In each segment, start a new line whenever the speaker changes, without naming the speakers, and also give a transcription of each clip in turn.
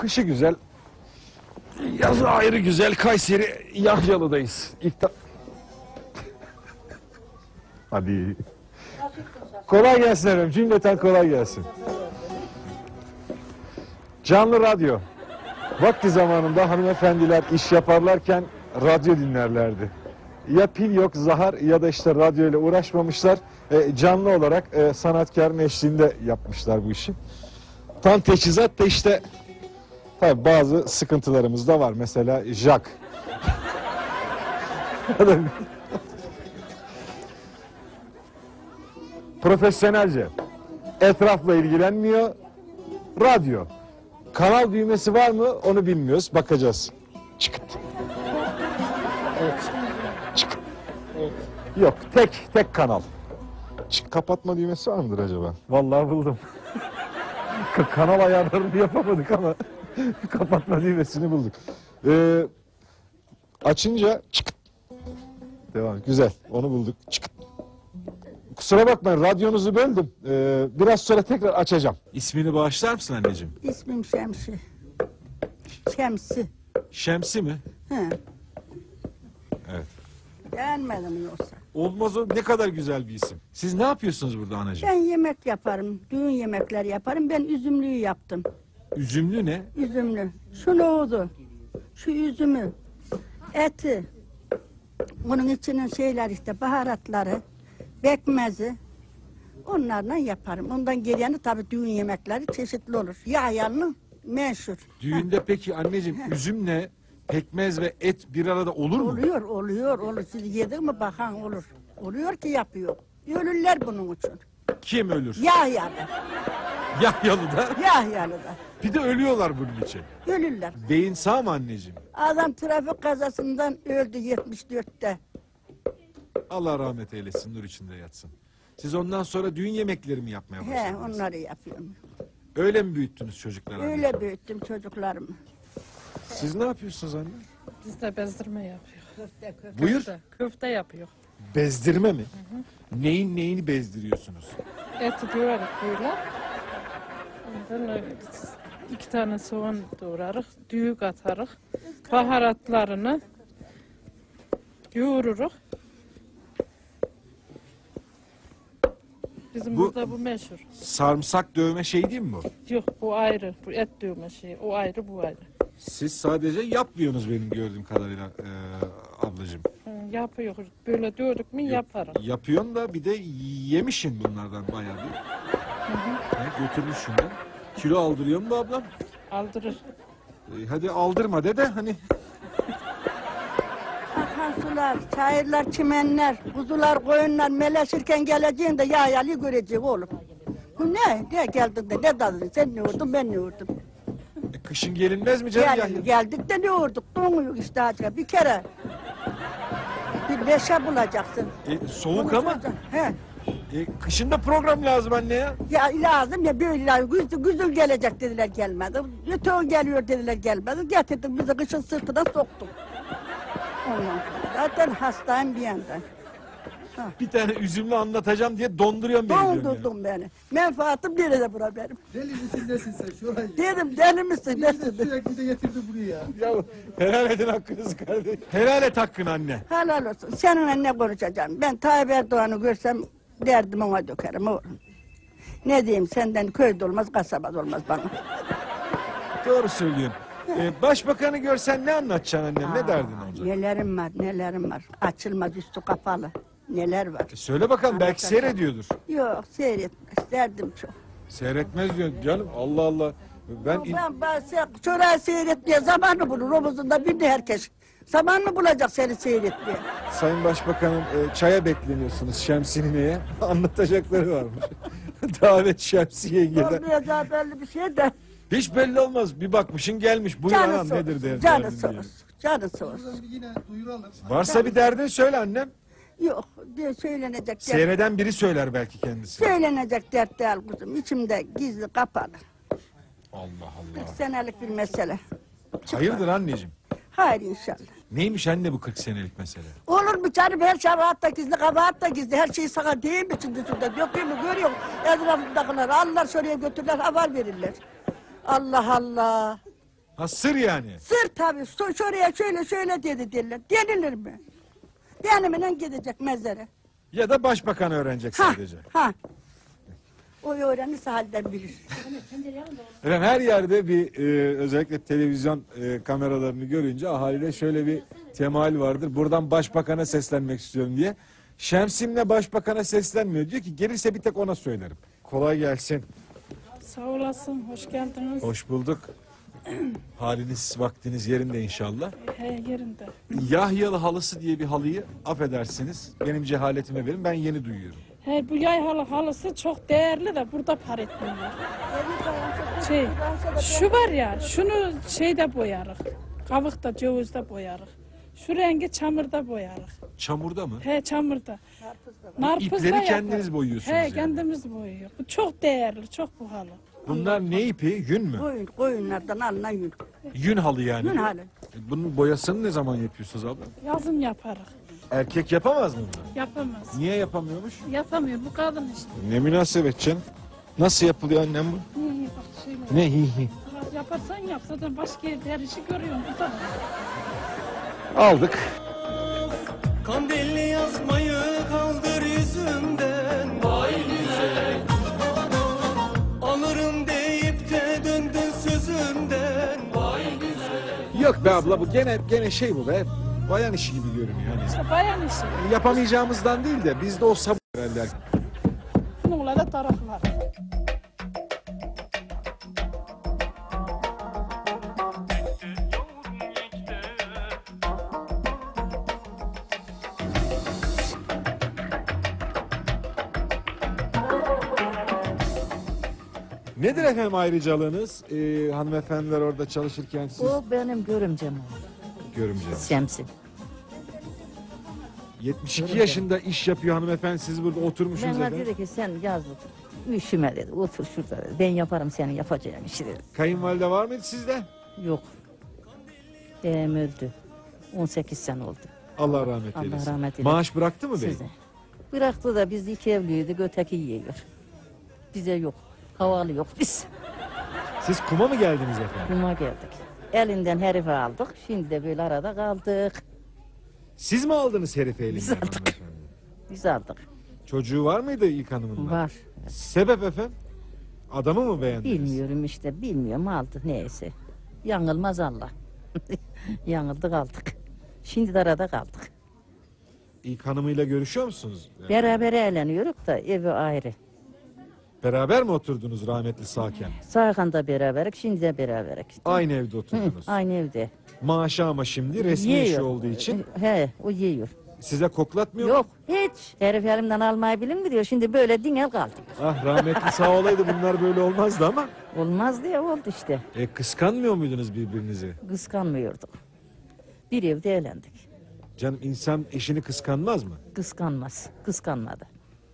Kışı güzel, yazı ayrı güzel. Kayseri Yahyalı'dayız. Hadi. Kolay gelsin efendim. Cümleten kolay gelsin. Canlı radyo. Vakti zamanında hanımefendiler iş yaparlarken radyo dinlerlerdi. Ya pil yok, zahar ya da işte radyo ile uğraşmamışlar. Canlı olarak sanatkarın eşliğinde yapmışlar bu işi. Tam teçhizat da işte tabii bazı sıkıntılarımız da var. Mesela jack. Profesyonelce. Etrafla ilgilenmiyor. Radyo. Kanal düğmesi var mı onu bilmiyoruz. Bakacağız. Çıkıt.
Evet.
Çıkıt.
Evet.
Yok. Tek kanal. Kapatma düğmesi var mıdır acaba? Vallahi buldum. Kanal ayarlarını yapamadık ama kapatma düğmesini bulduk. Açınca çıkıt. Devam. Güzel. Onu bulduk. Çıkıt. Kusura bakmayın radyonuzu böldüm. Biraz sonra tekrar açacağım. İsmini bağışlar mısın anneciğim?
İsmim Şemsi. Şemsi.
Şemsi mi?
He.
Evet.
Beğenmedim yoksa.
Olmaz o ne kadar güzel bir isim. Siz ne yapıyorsunuz burada anacığım?
Ben yemek yaparım. Düğün yemekleri yaparım. Ben üzümlüyü yaptım.
Üzümlü ne?
Üzümlü. Şu nohudu. Şu üzümü. Eti. Bunun içinin şeyler işte baharatları. Bekmezi. Onlarla yaparım. Ondan geleni tabii düğün yemekleri çeşitli olur. Yahyanlı meşhur.
Düğünde peki anneciğim üzümle pekmez ve et bir arada olur mu?
Oluyor. Siz yedin mi bakan olur. Oluyor ki yapıyor. Ölürler bunun için.
Kim ölür?
Yahyalı.
Yahyalı'da.
Yahyalı'da.
Bir de ölüyorlar bunun için.
Ölürler.
Beyin sağ mı anneciğim?
Adam trafik kazasından öldü 74'te.
Allah rahmet eylesin, nur içinde yatsın. Siz ondan sonra düğün yemekleri mi yapmaya
He,
başladınız?
onları yapıyorum.
Öyle mi büyüttünüz çocukları?
Öyle büyüttüm çocuklarımı.
Siz ne yapıyorsunuz anne?
Biz de bezdirme yapıyor.
Buyur.
Köfte yapıyor.
Bezdirme mi? Neyin neyini bezdiriyorsunuz?
Eti doğradık böyle. Ondan 2 tane soğan doğrarız. Düğük atarız. Baharatlarını yoğururuz. Bizim
Bu-
burada bu meşhur.
Sarımsak dövme şey değil mi bu?
Yok bu ayrı. Bu et dövme şey. O ayrı bu ayrı.
Siz sadece yapmıyorsunuz benim gördüğüm kadarıyla ablacığım.
Yapıyoruz. Böyle dövdük mü yaparım.
Yapıyorsun da bir de yemişin bunlardan bayağı bir. Götürmüşsün de. Kilo aldırıyor mu bu ablam?
Aldırır.
Hadi aldırma de hani.
Akan sular, çayırlar, çimenler, kuzular, koyunlar meleşirken geleceğinde Yahyalı'yı görecek oğlum. Bu ne? Ne geldin de ne dadın? Sen ne vurdun ben ne vurdum?
Kışın gelinmez mi canım Yahya?
Geldik de ne vurduk? Donuyor işte acaba bir kere. Bir neşe bulacaksın.
Soğuk ama.
He.
Kışın da program lazım anne ya.
Ya lazım ya böyle güzel gelecek dediler gelmedi. Ötüğün geliyor dediler gelmedi. Getirdik bizi kışın sırtına soktuk. Ondan sonra zaten hastayım bir yandan.
Bir tane üzümlü anlatacağım diye donduruyorum beni diyorum ya.
Dondurdun beni. Menfaatim nerede bura benim?
Deli misin nesin sen şurayı?
Dedim deli misin nesin?
Sürekli de getirdi buraya.
Ya helal edin hakkınızı kardeşim. Helal et hakkını anne.
Helal olsun. Seninle ne konuşacağım? Ben Tayyip Erdoğan'ı görsem derdim ona dökerim oğlum. Ne diyeyim senden köyde olmaz kasabada olmaz bana.
Doğru söylüyorsun. Başbakanı görsen ne anlatacaksın annem? Ne derdin olacak?
Nelerim var. Açılmaz üstü kapalı. Neler var.
Söyle bakalım belki
Anlatacağım.
seyrediyordur.
Yok seyretmez. Derdim çok.
Seyretmez diyor canım. Allah Allah.
Ben çorağı seyretmeye zamanı bulur. Omuzunda bir de herkes. Zaman mı bulacak seni seyretmeye?
Sayın Başbakanım çaya bekleniyorsunuz Şemsine'ye. Anlatacakları varmış. Davet Şemsi yengeden.
Olmayacağı belli bir şey de.
Hiç belli olmaz. Bir bakmışın gelmiş. Buyur anam nedir derdin?
Canı
derdin
soğur.
diye.
Canı soğur.
Buradan bir yine duyuralım.
Varsa bir derdin söyle annem.
Yok diye söylenecek dert.
Seyreden biri söyler belki kendisi.
Söylenecek dert değil kuzum. İçimde gizli kapalı.
Allah
40
Allah.
senelik bir mesele.
Hayırdır anneciğim?
Hayır inşallah.
Neymiş anne bu 40 senelik mesele?
Olur mu canım her şey rahat da gizli kabahat da gizli. Her şey sana değil mi şimdi şurada? Yok değil mi görüyor musun? Etrafındakiler Allah şuraya götürürler haber verirler. Allah Allah.
Ha, sır yani.
Sır tabii. Şuraya şöyle şöyle dedi derler. Denilir mi? Benimle gidecek mezara.
Ya da başbakan öğrenecek
Ha,
sadece.
ha. O öğrenirse halden bilir.
Efendim her yerde bir özellikle televizyon kameralarını görünce ahaliyle şöyle bir temayül vardır. Buradan başbakana seslenmek istiyorum diye. Şemsim'le başbakana seslenmiyor. Diyor ki gelirse bir tek ona söylerim. Kolay gelsin.
Sağ olasın, hoş geldiniz.
Hoş bulduk. Haliniz, vaktiniz yerinde inşallah.
He, yerinde.
Yahyalı halısı diye bir halıyı affedersiniz. Benim cehaletime verin, ben yeni duyuyorum.
He, bu yay halısı çok değerli de burada par etmiyor. Şey, şu var ya, şunu şeyde boyarık. Kavukta, cevizde boyarık. Şu rengi çamurda boyarık.
Çamurda mı?
He, çamurda. Narpızda
İpleri
yapar.
kendiniz boyuyorsunuz
He,
yani.
kendimiz boyuyor. Bu çok değerli, çok pahalı.
Bunlar ne ipi? Yün mü?
Koyunlardan alınan yün.
Yün halı yani.
Yün halı.
Bunun boyasını ne zaman yapıyorsunuz abla?
Yazın yaparız.
Erkek yapamaz mı bunu?
Yapamaz.
Niye yapamıyormuş?
Yapamıyor, bu kadın işte.
Ne münasebet canım. Nasıl yapılıyor annem bu?
İyi, bak şöyle.
Ne hi hi.
Yaparsan yap, zaten başka yerde her işi görüyorsun. Bu da
Aldık.
Kandilli yazmayı kaldır yüzümden. Vay güzel. Alırım deyip de döndün sözümden. Vay güzel.
Yok be abla bu gene şey bu be. Bayan işi gibi görünüyor. Hani
işte bayan işi.
yapamayacağımızdan değil de bizde o sabır herhalde.
Bununla da taraflar.
Nedir efendim ayrıcalığınız? Hanımefendiler orada çalışırken siz
O benim görümcem o.
görümceniz.
Şemsi.
72 yaşında iş yapıyor hanımefendi, siz burada oturmuşsunuz
Bana
efendim.
dedi ki sen yazlık. Üşüme dedi. Otur şurada dedi. Ben yaparım senin yapacağın işi dedi.
Kayınvalide var mıydı sizde?
Yok. Beyim öldü. 18 sene oldu.
Allah rahmet
Allah
eylesin.
rahmet eylesin.
Maaş bıraktı mı bey?
Size. Bıraktı da biz iki evliydik. Öteki yiyor. Bize yok. Havalı yok biz.
Siz kuma mı geldiniz efendim?
Kuma geldik. Elinden herifi aldık. Şimdi de böyle arada kaldık.
Siz mi aldınız herifi elinden?
Biz aldık.
hanımefendi?
Biz aldık.
Çocuğu var mıydı ilk hanımın?
Var.
Sebep efendim? Adamı mı beğendiniz?
Bilmiyorum işte. Bilmiyorum aldı neyse. Yanılmaz Allah. Yanıldık aldık. Şimdi de arada kaldık.
İlk hanımıyla görüşüyor musunuz?
Beraber eğleniyoruz da evi ayrı.
Beraber mi oturdunuz rahmetli sağken?
Sağkanda beraberik, şimdi de beraberik.
Aynı evde oturdunuz.
Aynı evde.
Maaşı ama şimdi resmi
Yiyor.
işi olduğu için
He, o yiyor.
size koklatmıyor mu?
Yok, hiç. Herif elimden almayı bilim mi diyor. Şimdi böyle dinel kaldı.
Ah rahmetli sağ olaydı bunlar böyle olmazdı ama.
Olmaz diye oldu işte.
Kıskanmıyor muydunuz birbirinizi?
Kıskanmıyorduk. Bir evde eğlendik.
Canım insan eşini kıskanmaz mı?
Kıskanmaz. Kıskanmadı.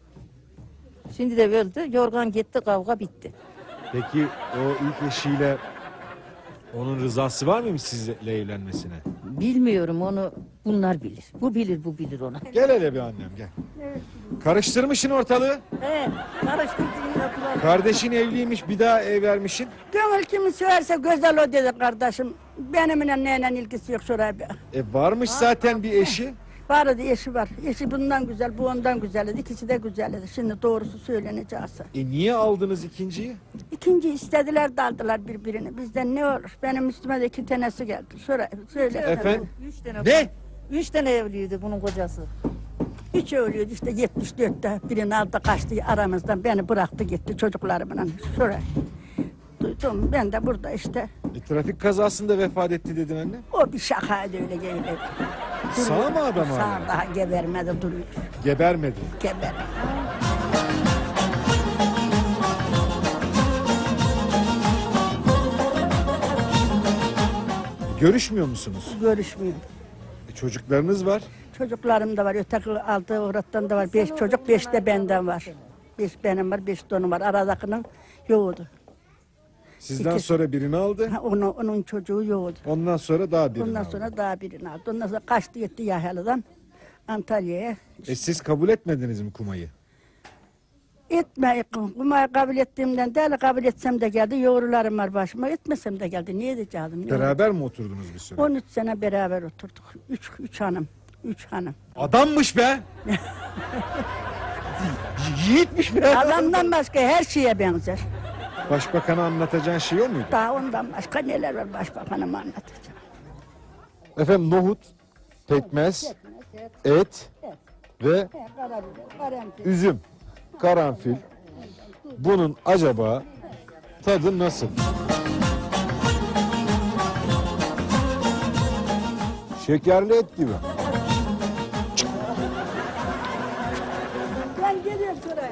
Şimdi de öldü. Yorgan gitti, kavga bitti.
Peki o ilk eşiyle onun rızası var mıymış sizle evlenmesine?
Bilmiyorum onu bunlar bilir. Bu bilir, bu bilir onu.
Gel hele bir annem gel. Karıştırmışsın ortalığı.
He, karıştırdığını yapılan.
Kardeşin evliymiş bir daha ev vermişsin.
Gönül kimi severse güzel o dedi kardeşim. Benimle neyle ilgisi yok şuraya bir.
Varmış zaten bir eşi.
Vardı eşi var. Eşi bundan güzel, bu ondan güzel idi. İkisi de güzel idi. Şimdi doğrusu söyleneceğiz.
Niye aldınız ikinciyi?
İkinci istediler daldılar birbirini. Bizden ne olur? Benim üstüme de 2 tanesi geldi. Şuraya söyle.
Efendim?
3 tane.
Ne?
3 tane evliydi bunun kocası.
Üç ölüyordu işte 74'te birini aldı kaçtı aramızdan beni bıraktı gitti çocuklarımla şuraya. Duydum ben de burada işte
Trafik kazasında vefat etti dedin anne.
o bir şakaydı öyle geldi.
Sağ mı adam
Sağ
hala?
daha gebermedi duruyor.
Gebermedi.
Geber.
Görüşmüyor musunuz?
Görüşmüyorum.
Çocuklarınız var.
Çocuklarım da var. Öteki aldığı uğrattan da var. 5 çocuk 5 de benden var. 5 benim var 5 de onun var. Aradakinin yoğdu.
Sizden
İkisi.
sonra birini aldı.
Onun çocuğu yoğdu.
Ondan sonra daha birini
Ondan
aldı.
sonra daha birini aldı. Ondan sonra kaçtı gitti Yahyalı'dan Antalya'ya.
Siz kabul etmediniz mi kumayı?
Etme, kumayı kabul ettiğimden değil, kabul etsem de geldi, yoğrularım var başıma, etmesem de geldi. Niye diyeceğim?
Beraber mi oturdunuz bir süre?
13 sene beraber oturduk. Üç hanım.
Adammış be! Yiğitmiş be!
Adamdan başka her şeye benzer.
Başbakan'a anlatacağın şey o muydu?
Daha ondan başka neler var başbakanıma anlatacağım.
Efendim nohut, pekmez, et ve üzüm, karanfil. Bunun acaba tadı nasıl? Şekerli et gibi.
Ben geliyorum şuraya.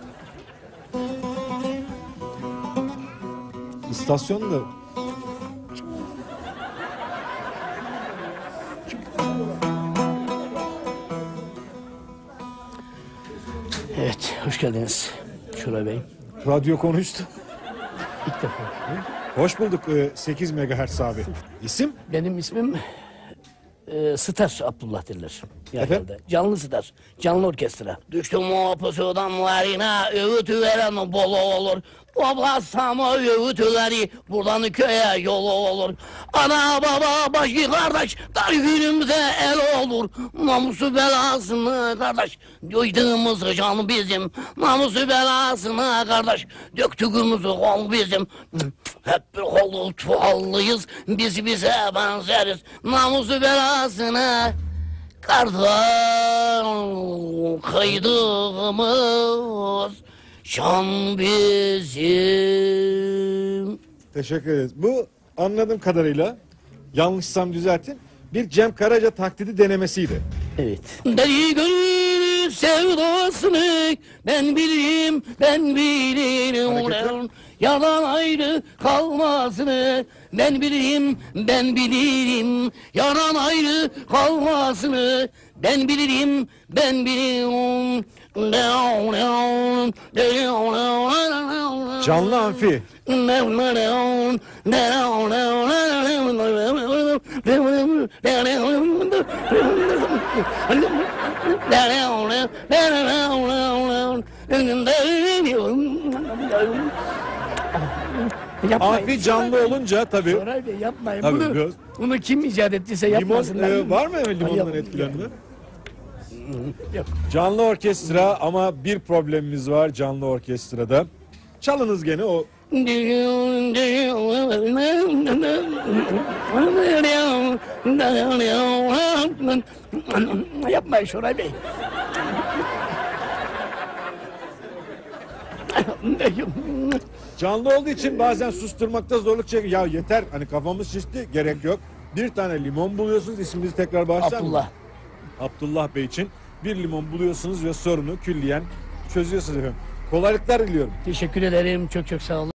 İstasyonda
Evet, hoş geldiniz Şuray Bey.
radyo konuştu.
İlk defa.
Hoş bulduk 8 MHz abi. İsim?
Benim ismim Star Abdullah derler.
Efendim?
Genelde. Canlı Star, canlı orkestra. Düştüm o pusudan varına, öğütü veren bol olur. Toplasam o öğütüleri, buradan köye yolu olur. Ana baba başı kardeş, dar günümüze el olur. Namusu belasını kardeş, döydüğümüz can bizim. Namusu belasını kardeş, döktüğümüz kol bizim. Hep bir kolu çuvallıyız, biz bize benzeriz. Namusu belasını kardeş, kıydığımız şan bizim.
Teşekkür ederiz. Bu anladığım kadarıyla yanlışsam düzeltin. Bir Cem Karaca taklidi denemesiydi.
Evet. Deli gönül sevdasını ben bilirim, ben bilirim.
Hareketler.
Yalan ayrı kalmasını ben bilirim, ben bilirim. Yalan ayrı kalmasını ben bilirim, ben bilirim.
Canlı amfi. Amfi canlı olunca tabii.
Şoray Bey yapmayın.
Tabii,
Bunu,
biraz.
bunu kim icat ettiyse
Limon
yapmasınlar.
var mı limondan
Yok.
etkilenme?
Yok.
Canlı orkestra ama bir problemimiz var canlı orkestrada. Çalınız gene o.
Yapmayın Şoray Bey.
Canlı olduğu için bazen susturmakta zorluk çekiyor. Ya yeter hani kafamız şişti gerek yok. Bir tane limon buluyorsunuz isminizi tekrar bağışlar mı?
Abdullah.
Abdullah Bey için bir limon buluyorsunuz ve sorunu külliyen çözüyorsunuz efendim. Kolaylıklar diliyorum.
Teşekkür ederim. Çok çok sağ olun.